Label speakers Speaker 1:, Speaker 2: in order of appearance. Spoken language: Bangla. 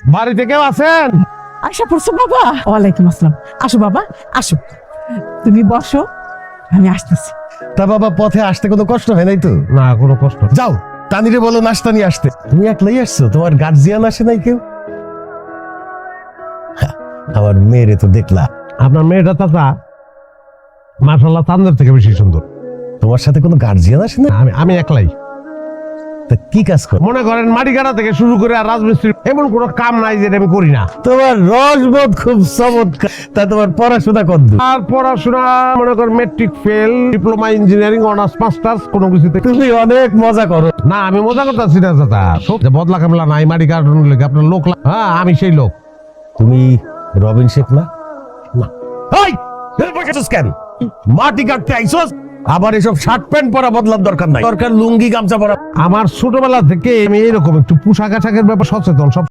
Speaker 1: বাড়িতে কেউ আছেন?
Speaker 2: আশা পড়ছো বাবা? ওয়ালাইকুম আসসালাম। আসো বাবা, আসো, তুমি বসো, আমি আসতেছি।
Speaker 3: তা বাবা, পথে আসতে কোনো কষ্ট হয় নাই তো?
Speaker 1: না, কোনো কষ্ট নেই।
Speaker 3: যাও, তানিরে বলো নাস্তা নিয়ে আসতে। তুমি একলাই আসছো, তোমার গার্জিয়ান আসে নাই কেউ? হ্যাঁ, আমার মেয়েরে তো দেখলা।
Speaker 1: আপনার মেয়েটা চাচা মাশাআল্লাহ চাঁদের থেকে বেশি সুন্দর।
Speaker 3: তোমার সাথে কোনো গার্জিয়ান আসে না?
Speaker 1: আমি একলাই।
Speaker 3: তা কি কাজ করো?
Speaker 1: মনে করেন মাটি কাটা থেকে শুরু করে আর রাজমিস্ত্রি এমন কোনো কাম নাই যেটা আমি করি না।
Speaker 3: তোমার রসবোধ খুব চমৎকার। তা তোমার পড়াশোনা কত?
Speaker 1: আর পড়াশোনা মনে করেন matric fail, diploma engineering, honours masters, কোনো কিছুতে।
Speaker 3: তুমি অনেক মজা করো।
Speaker 1: না, আমি মজা করতেছি না চাচা। সত্যি বদলা কামলা নাই, মাটি কাটানোর লেগে আপনার লোক হ্যাঁ, আমি সেই লোক।
Speaker 3: তুমি রবিন শেখ না? না। এই, এই বসেছিস কেন? মাটি কাটতে আইছস? আবার এসব শার্ট প্যান্ট পরা বদলার দরকার নাই, দরকার লুঙ্গি গামছা পরা।
Speaker 1: আমার ছোটবেলা থেকে আমি এরকম একটু পোশাক আশাকের ব্যাপার সচেতন। সব